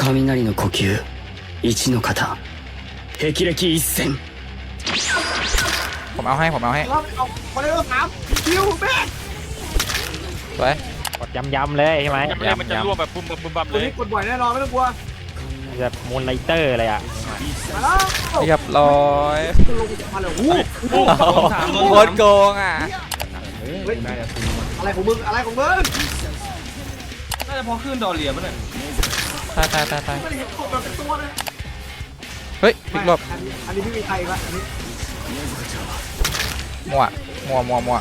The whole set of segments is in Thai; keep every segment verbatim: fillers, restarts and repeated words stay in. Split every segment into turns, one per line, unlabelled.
雷の呼吸一の型霹靂一閃
ผมเอาให้ผมเอาให้
เอาเอาคนเดียวสามคิวแม่ง
สวย
กดย้ำๆเลยใช่ไหม
ยังไม่ได้มันจะร่วงแบบบุ้มบัมบุ้มบัม
ค
เล
น
ย
นี้กดบ่อยแน่นอนไม่ต้องกลัว
จะมูนไลเตอร์เลยอ่ะ
มาแล้ว
เรียบร้อย
ลงมาเลยโอ้โห
โคตรโกงอ่ะ
เฮ้ยอะไรของมึงอะไรของมึง
น่าจะพอขึ้นดอเรียป่ะเนี่ย
ตายตายตายตาย
ไม่ได้เห็นกดแบบเป็นตัวเลย
เฮ้ยพลิกหลบ
อันนี้อันนี้พี่มีไทยปะอันนี้
มั่วมั่วมั่วมั่ว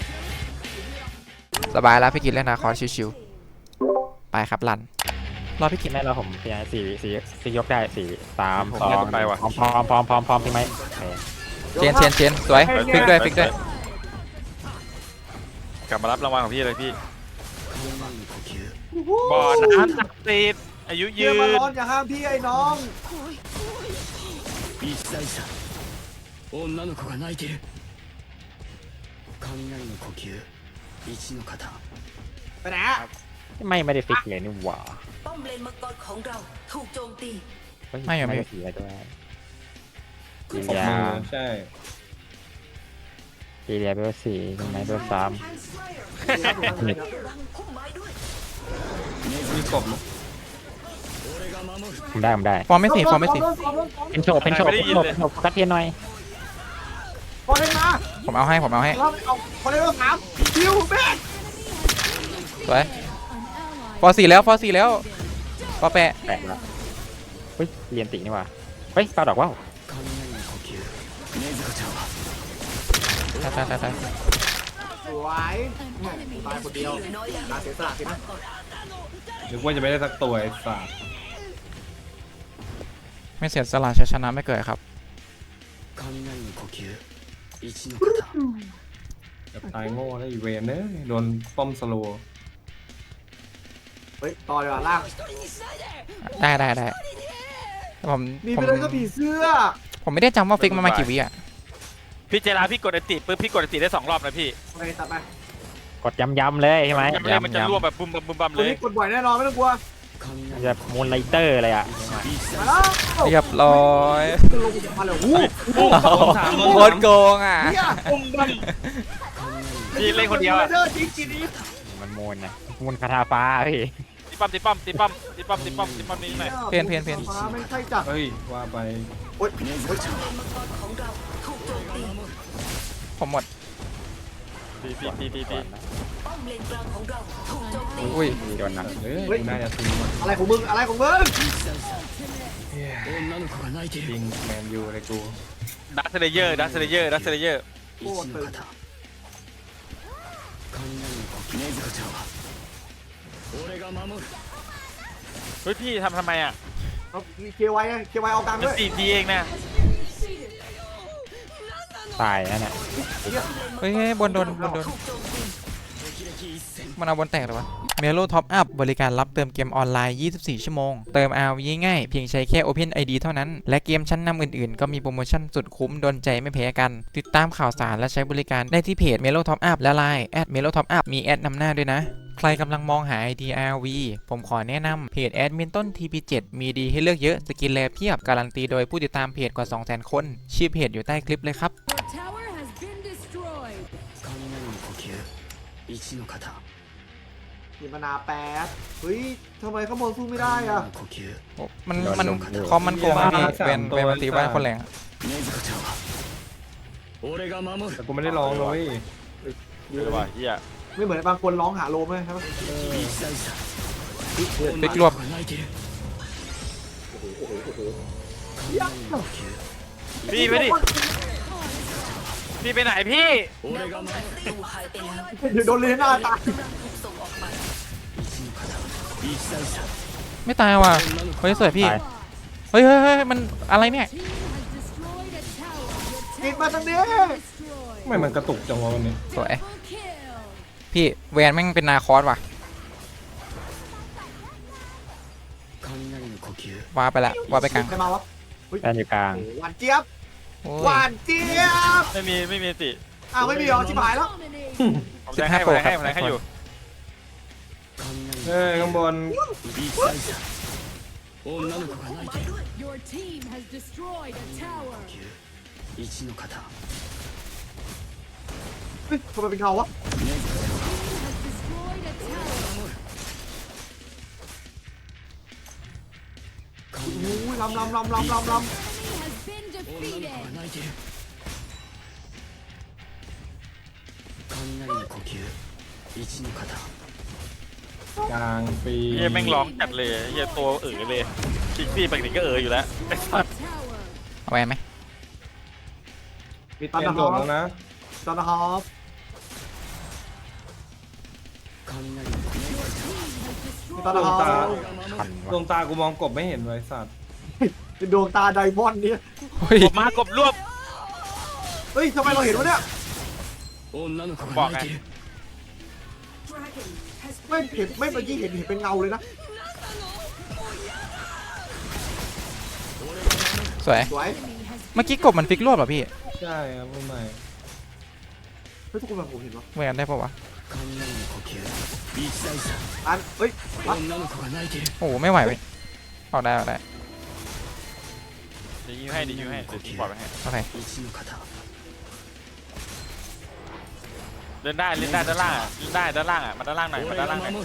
สบายแล้วพี่กินเล่นนาคอร์ชิวๆไปครับรันรอพี่กิ
คิ
น
ดไหมเราผมพยายามสี่สี่สี่ยกได้สี่สาม
ผม
สอง
เล่นไปว่ะ
พร้อมพร้อมพร้อมพร้อมพร้อมใช่ไหมโอเค
เชนเชนเชนสวยพลิกด้วยพลิกด้วย
กลับมารับรางวัลของพี่เลยพี่
呼吸
บ่อน้ำศักดิ์สิทธิ์อายุ
เยี่
ยื
ยมมาน ร้อนอย่าห้ามพี่ไอ้น้อง
一歳差女の子が泣いてる雷の呼吸一の型
ไปไหนอะ
ไม่ไม่ได้ฟิกเลยนี่หว่า
ป้อมเลนมังกรของเราถูกโจมตี
เฮ้ย
ไม่อะไม่
ได้สีอะไรด้วยกี
ขอบ
เลีย
มือใช่
กีเลียเบลสี่ใช่ไหมเบลสาม
รังพุ่มไม้ด้วย
มีกบมั้ย
ผมได้ผมได้
ฟอร์มไม่สี่ฟอร์มไม่สี่
เป็นโชว์เป็นโชว์เป็นโชว์เป็นโชว์กัดเทียนหน่อย
พอเล่นมา
ผมเอาให้ผมเอาให้
เราเอาคนเดียวสามคิวแม่ง
สวยฟอร์สี่แล้วฟอร์สี่แล้วฟอร์แปะ
แปลกละเฮ้ยเรียนตินี่หว่าเฮ้ยปลาดอกว่าว
雷の呼吸禰豆子ちゃんは
ตายตายตายตาย
สวยตายคนเดียวตาเสียสละสินะ
นึกว่าจะไม่ได้สักตัวไอ้สัส
ไม่เสียสละชัยชนะไม่เกิดครับ
雷の呼吸一の型
แบบตายโง่แล้วอีเวนเนอะโดนป้อมสโลว์
เฮ้ยต่อเลยว่ะล่าง
ได้ได้ได้ผม
มี
ผม
ไปเลยก็ผีเสื้อ
ผมไม่ได้จำว่าฟิกมันมากี่วิอ่ะ
พี่เจราพี่กดอันติปุ๊บพี่กดอันติได้สองรอบนะพี่
โอเคตัดไป
กดย้ำๆเลยใช่ไหม
ยังไม่ได้มันจะร่วงแบบบุ้มบัมบุ้มบัม
ค
เล
น
ย
นี้กดบ่อยแน่นอนไม่ต้องกลัว
จะมูนไลเตอร์เลยอ่ะ
มาแล้ว
เรียบร้อย
ลงมาเลยโอ้โห
โคตรโกงอ่ะ
เฮียปุ่มบัน
พี่เล่นคนเดียวอะ
เดอร์จริงจริง
มันมูนนะมูนคาถาฟ้าพี่
ตีปั๊มตีปั๊มตีปั๊มตีปั๊มตีปั๊มตีปั๊มนี่หน่อย
ฟ้าไม่ใช่จัด
เฮ้ยว่าไป
โอ๊ย
เลนมังกรของเราถูกโจมตี
ผมหมด
ตีตีตีตีตี
ป้อมเลนกลางของเราถูกโจมตี
อุ้ย
โดนนะ
เฮ้ยน่าจะซื้อมา
อะไรของมึงอะไรของมึง
女の子が泣いて
จริ
る
งแมนยูเลยกู
ดักเซเลเยอร์ดักเซเลเยอร์ดักเซเลเยอร์
一の型雷の呼吸禰豆子ちゃんは俺が守る
เฮ้ยพี่ทำทำไมอ่ะ
เอาเคไวเคไวเอากลาง
มัน
ด้วย
สี่ทีเองนะ
ตายนั่นแหละ
เฮ้ยบนโดนบนโดน
ถูกโจมตี
มันเอาบนแตกหรอวะเมโลท็อปอัพบริการรับเติมเกมออนไลน์ ยี่สิบสี่ ชั่วโมง เติม อาร์ วี ง่ายๆเพียงใช้แค่ Open ไอ ดี เท่านั้น และเกมชั้นนำอื่นๆ ก็มีโปรโมชั่นสุดคุ้มโดนใจไม่แพ้กัน ติดตามข่าวสารและใช้บริการได้ที่เพจ Melo Top Up และ ไลน์ แอท Melo Top Up มีแอดนำหน้าด้วยนะ ใครกำลังมองหา ไอ ดี อาร์ วี ผมขอแนะนำเพจแอดมินต้น ที พี เจ็ด มีดีให้เลือกเยอะสกินแลเพียบการันตีโดยผู้ติดตามเพจกว่า สองแสน คนชื่อเพจอยู่ใต้คลิปเลยครับ
Your tower has been destroyed.
雷の呼吸一の型
มีมนาแป๊ดเฮ้ยทำไมข้างบนสู้ไม่ได้อ่ะ
呼吸
โอ้มันมันคอมมันโกงอะพี่เป็นเป็นมันตีบ้านคนแรง
禰豆子ちゃんは俺が守る
แต่กูไม่ได้ร้องเลย
เออว่ะเฮีย
ไม่เหมือนบางคนร้องหาโลมไหมครับ
一歳差
ฟิกรวบ
女の子が泣いてる
พี่ไปดิพี่ไปไหนพี่
俺が守る
ดูหายไปแล้ว
เดี๋ยวโดนเลน่าตาย
กำลังถูกส่งออกไป
一歳差
ไม่ตายว่ะเฮ้ยสวยพี่
ตาย
เฮ้ยเฮ้ยเฮ้ยมันอะไรเนี่ย
Team has destroyed a tower. Your
กินมาทางนี้
tower destroyed.
ทำไมมันกระตุกจังวะวันนี้
สวย
Double kill.
พี่แวนแม่งเป็นนาคอสว่ะ
雷の呼吸
ว่าไปละว่าไปกลาง
ใครมาวะ
แอนอยู่กลาง
หวานเจี๊ยบ
โอ้
หวาย นเจี๊ยบ
ไม่มีไม่มีติ
อ้าวไม่มีหรอชิบหายแล้ว
Dominating.
ผมจะให้ผมให้ผมให้อยู่
เฮ้ยข้างบน
一歳差女の子が泣いてる
Your team has destroyed a tower.
一の型
เฮ้ยทำไมเป็นเงาวะ
Team has destroyed a tower.
โอ้ยลำลำลำลำลำล
Enemy has been
女の子
defeated.
が泣いてる雷の呼吸一の型
กลางปี
เฮียแม่งร้องจัดเลยเฮียตัวเอ๋อเลยคิกซี่ปกติก็เอ๋ออยู่แล้ว
Tower.
เอาแวนไหม
ำมี
เป
ตัน
ลี่ยน
นะ
โจ
ค
ท
รั
ย์
บ
แล้วนะ
ตันนะครับ
雷の呼吸
มีตันนะค
ดวง
รั
ตา
บ
ขัน
ดวงตากูมองกบไม่เห็นเลยสัตว์
เป็นดวงตาไดมอนด์เนี่ย
เฮ้ย
กบมากบรวบ
เฮ้ยทำไมเราเห็นวะเนี่ย
女の子が泣いてる
ไม่เห็นไม่เมื่อกี้เห็นเห็นเป็นเงาเลยนะ
สวย
สวย
เมื่อกี้กบมันฟิกรวบเหรอพี่
ใช่ครับไม่ใหม่
เฮ้ยทุกคนแบบผมเห็นวะ
เหมือนได้ปะวะ
雷の呼吸一大差
อันเฮ้ยวัด
女の子が泣いてる
โอ้โหไม่ไหวเว้ยออกได้ออกได้
เดี๋ยวยิงให้เดี๋ยวยิงให้เดี๋ยวยิงปล่อยไปให้
โอเค
一の型
เล่นได้เล่นได้ด้านล่างอะเล่นได้ด้านล่างอ่ะมาด้านล่างหน่อยมา
俺
ด้าน
が
ล่างหน่อย
守る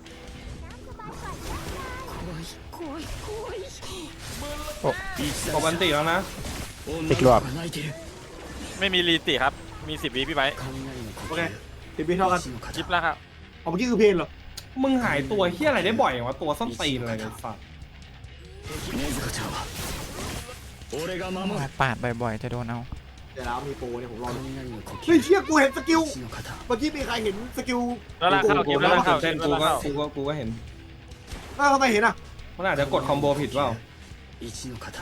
一
กบอันติแล้วนะ
女の子が泣いてる
ไม่มีรีติครับมีสิบวิพี่ไบร์ท
雷の呼
โอเค
吸
ติดบีเท่ากัน
一の
ยิบ
型
แล้วครับ
เอาเมื่อกี้คือเพลนเหรอ
มึงหายตัวเฮี้ยอะไรได้บ่อยอย่างวะตัวส้นตีนอะไรเนี่ยสัตว์
禰豆子ちゃんは俺が守る
ปาดบ่อยๆจะโดนเอา
เดี๋ยวแล้วมีโปรเนี่ยผมรอดู
雷の呼
เฮ้ย
吸
เชี่ยกูเห็นสกิล
一の型
เมื่อกี้มีใครเห็นสกิล
ด้านล่างเข้า
กู
เกม
ก็
ด้านล่างเข้า
เต้น
ด้า
กู
นล่าง
ก็
เข้า
กูก็กูก็เห็น
อ้าวทำไมเห็นอ่ะ
มันอาจจะกดคอมโบผิดเปล่า
一の型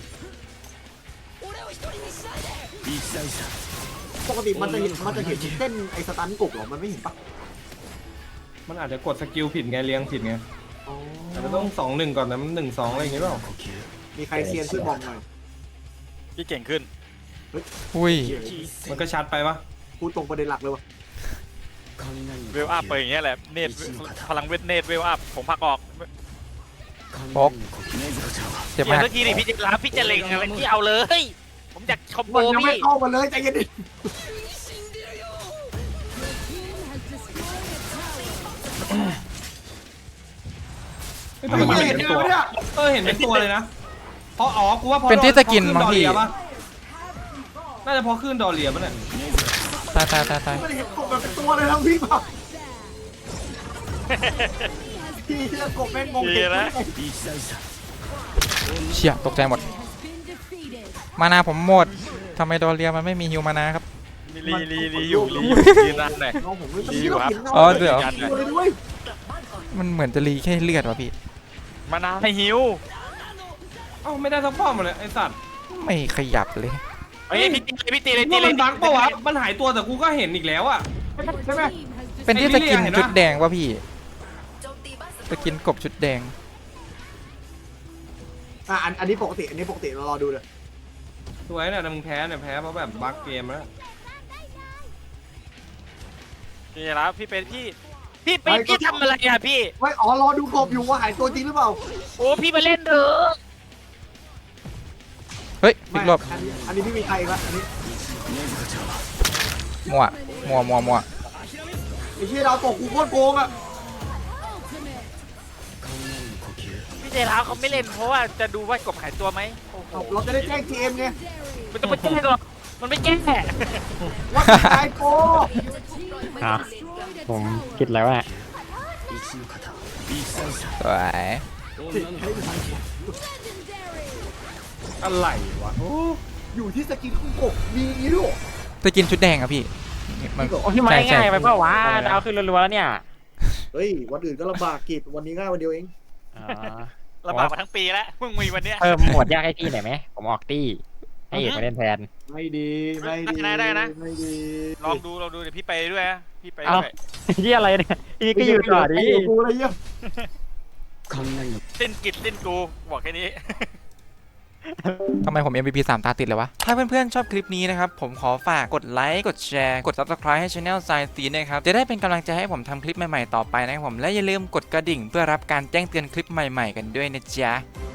一大差
ปกติมันจะเห็นมันจะเห็นเส้นไอ้สตันกบเหรอมันไม่เห็นปะ
มันอาจจะกดสกิลผิดไงเลี้ยงผิดไง
อ๋อ
อาจจะต้องสองหนึ่งก่อนนะมันหนึ่งสองอะไรอย่างเงี้ยเปล่า
呼吸
มีใครเซียนช่วยบอกหน่อย
พี่เก่งขึ้น
อุ้ย
มันก็ชัดไปปะ
พูดตรงประเด็นหลักเลยวะ
雷の
เวลอัพไปอย่างเงี้ยแหละเนตพลังเวทเนตเวลอัพผมพักออก
雷の呼吸禰豆子ちゃんは
เจ็บ
อย่าม
าก
สักทีดิพี่จะรับพี่จะเล็งอะไรที่เอาเลย ผมอยากคอมโบ
มันยังไม่
พี่
เข้ามาเลยใจเย็นดิ
Team has destroyed a tower.
เฮ้ยแต่มัน
ไม่
เห็
เห็
น
น
เป็น
เล
ตัว
ยเนี่ย
เออเห็นเป็นตัวเลยนะเพราะอ๋อกูว่าพอ
เป็นที่สกิน
พอขึ้
บางที
ดอเรียปะน่าจะเพอขึ้นดอเรียปะเนี่ย
ตายตายตายตาย
ไม่ได้เห็นกบแบบเป็นตัวเลยทั้งพี่เปล่าพี่เชื่อกบแม่งงงเด็กเลย
一大差
เชี่ยตกใจหมด
Has been defeated.
มานาผมหมดทำไมโดนเรียมันไม่มีฮิวมานาครับ
มีรีรีรีอยู่รีอยู่รีรันหน่อย
น้องผมเลย
ดีอยู่ครับ
อ๋อเดี๋ยว
ตัวเลยด้วย
มันเหมือนจะรีแค่เลือดวะพี่
มานาให้ฮิว
เอ้าไม่ได้สักป้อมเลยไอสัตว์
ไม่ขยับเลย
เฮ้ยพี่ตีเลยพี่ตีเลยตี
ว่า
เล
มั
ย
นบั๊กปะวะมันหายตัวแต่กูก็เห็นอีกแล้วอะ
ใช่ไหม
Team has
เป็นที่สกินชุดแดงวะพี่
โจมตีบ้านศั
ส
ตรู
กินกบชุดแดง
อ่ะอันอันนี้ปกติอันนี้ปกติเรารอดูเลย
สวยเนี่ยแต่มึงแพ้เนี่ยแพ้เพราะแบบบั๊กเกมแล้ว
นี่แล้วพี่เป็นพี่พี่เป็นพี่ทำอะไรอ่ะพี่
ไม่อ๋อรอดูกบอยู่ว่าหายตัวจริงหรือเปล่า
โอ้พี่มาเล่นเถอะ
เฮ้ย
ไม่
ฟิกรอบ
อันนี้อันนี้พี่มีใครอีกละอันนี้
禰豆子ちゃんは
มัวมัวมัวมัว
ไอ้เชี่ยดาวตกกูโคตรโกงอ่ะ
雷の呼吸
พี่เจร้าวเขาไม่เล่นเพราะว่าจะดูว่ากบหายตัวไหมโอ้โห
เราจะได้แจ้งทีเอ็มไง
มันต้องไปแก้หรอกมันไม่แก้
ว่าตายโก
อ่ะ
destroyed a
ผม
tower.
คิดแล้วว่า
一の型一大差
สวย
女の子が泣いてる
Legendary.
อะไรวะโอ้
อยู่ที่สกินของกบมีอย่างนี้ด้วย
สกินชุดแดงอะพี่มัน
โอ้ยมา
ใช่ใช่
ง่ายไปเปล่าวะดาวขึ้นรัวๆแล้วเนี่ย
เฮ้ยวันอื่นก็ลำบากกิจวันนี้ง่ายวันเดียวเอง
อ๋อ
ลำบากมาทั้งปีแล้วเพิ่งมีวันเนี้ย
เพิ่มโหมดยากให้พี่หน่อยไหมผมออกตี้ให้เอกมาเล่นแทน
ไม่ดีไม่ดี
ได้ได้นะ
ไม่ดี
ลองดูลองดูเดี๋ยวพี่ไปด้วยนะพี่ไป
เอ้า
ด้วย
ที่อะไรเนี่ยพี่ก็อยู่ต่อดิ
ไอ้กูอะไรเงี้ย
雷の
สิ้นกิจสิ้นกูบอกแค่นี้
ทำไมผม เอ็ม วี พี สามตาติดเลยวะ ถ้าเพื่อนๆชอบคลิปนี้นะครับ ผมขอฝากกดไลค์ กดแชร์ กด Subscribe ให้ Channel Science นะครับ จะได้เป็นกำลังใจให้ผมทำคลิปใหม่ๆต่อไปนะครับผม และอย่าลืมกดกระดิ่งเพื่อรับการแจ้งเตือนคลิปใหม่ๆกันด้วยนะจ๊ะ